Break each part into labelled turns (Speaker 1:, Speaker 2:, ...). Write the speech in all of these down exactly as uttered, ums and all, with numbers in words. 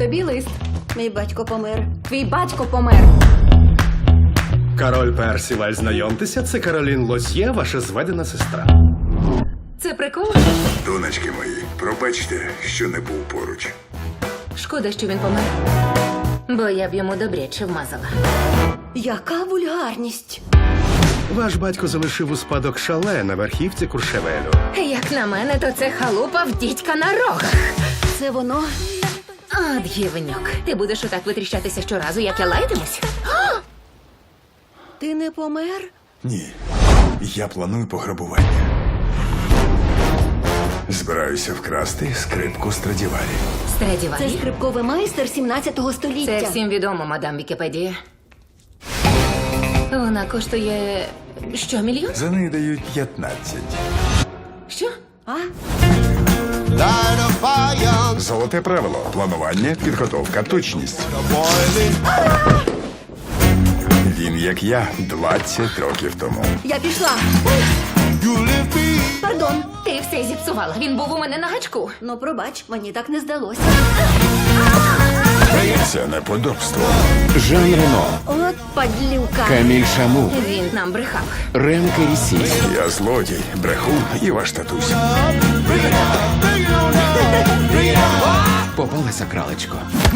Speaker 1: Тобі лист.
Speaker 2: Мій батько помер.
Speaker 1: Твій батько помер.
Speaker 3: Король Персіваль, знайомтеся, це Каролін Лозьє, ваша зведена сестра.
Speaker 1: Це прикол?
Speaker 4: Донечки мої, пробачте, що не був поруч.
Speaker 1: Шкода, що він помер. Бо я б йому добряче вмазала.
Speaker 2: Яка вульгарність.
Speaker 3: Ваш батько залишив у спадок шале на верхівці Куршевелю.
Speaker 1: Як на мене, то це халупа в дідька на рогах.
Speaker 2: Це воно?
Speaker 1: От гівнюк. Ти будеш отак витріщатися щоразу, як я лаятимусь?
Speaker 2: Ти не помер?
Speaker 4: Ні, я планую пограбування. Збираюся вкрасти скрипку Страдіварі.
Speaker 2: Це
Speaker 1: Страдіварі?
Speaker 2: скрипковий майстер сімнадцятого століття.
Speaker 1: Це всім відомо, мадам Вікіпедія. Вона коштує... що, мільйон?
Speaker 4: За неї дають п'ятнадцять.
Speaker 1: Що?
Speaker 2: А?
Speaker 4: Золоте правило. Планування, підготовка, точність. Він, як я, двадцять років тому.
Speaker 2: Я пішла. Пардон.
Speaker 1: Ти все зіпсувала. Він був у мене на гачку.
Speaker 2: Ну, пробач, мені так не здалося.
Speaker 4: Це неподобство.
Speaker 5: Жан Рено,
Speaker 2: От падлюка.
Speaker 5: Каміль Шаму,
Speaker 1: Він нам брехав.
Speaker 5: Рем Керісі,
Speaker 4: Я злодій, брехун і ваш татусь.
Speaker 5: попалася кралечко.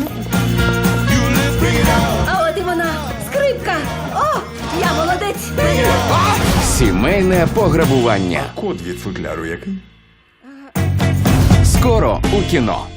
Speaker 2: А от і вона. Скрипка. О, я молодець.
Speaker 5: Сімейне пограбування.
Speaker 4: Код від футляру який?
Speaker 5: Скоро у кіно.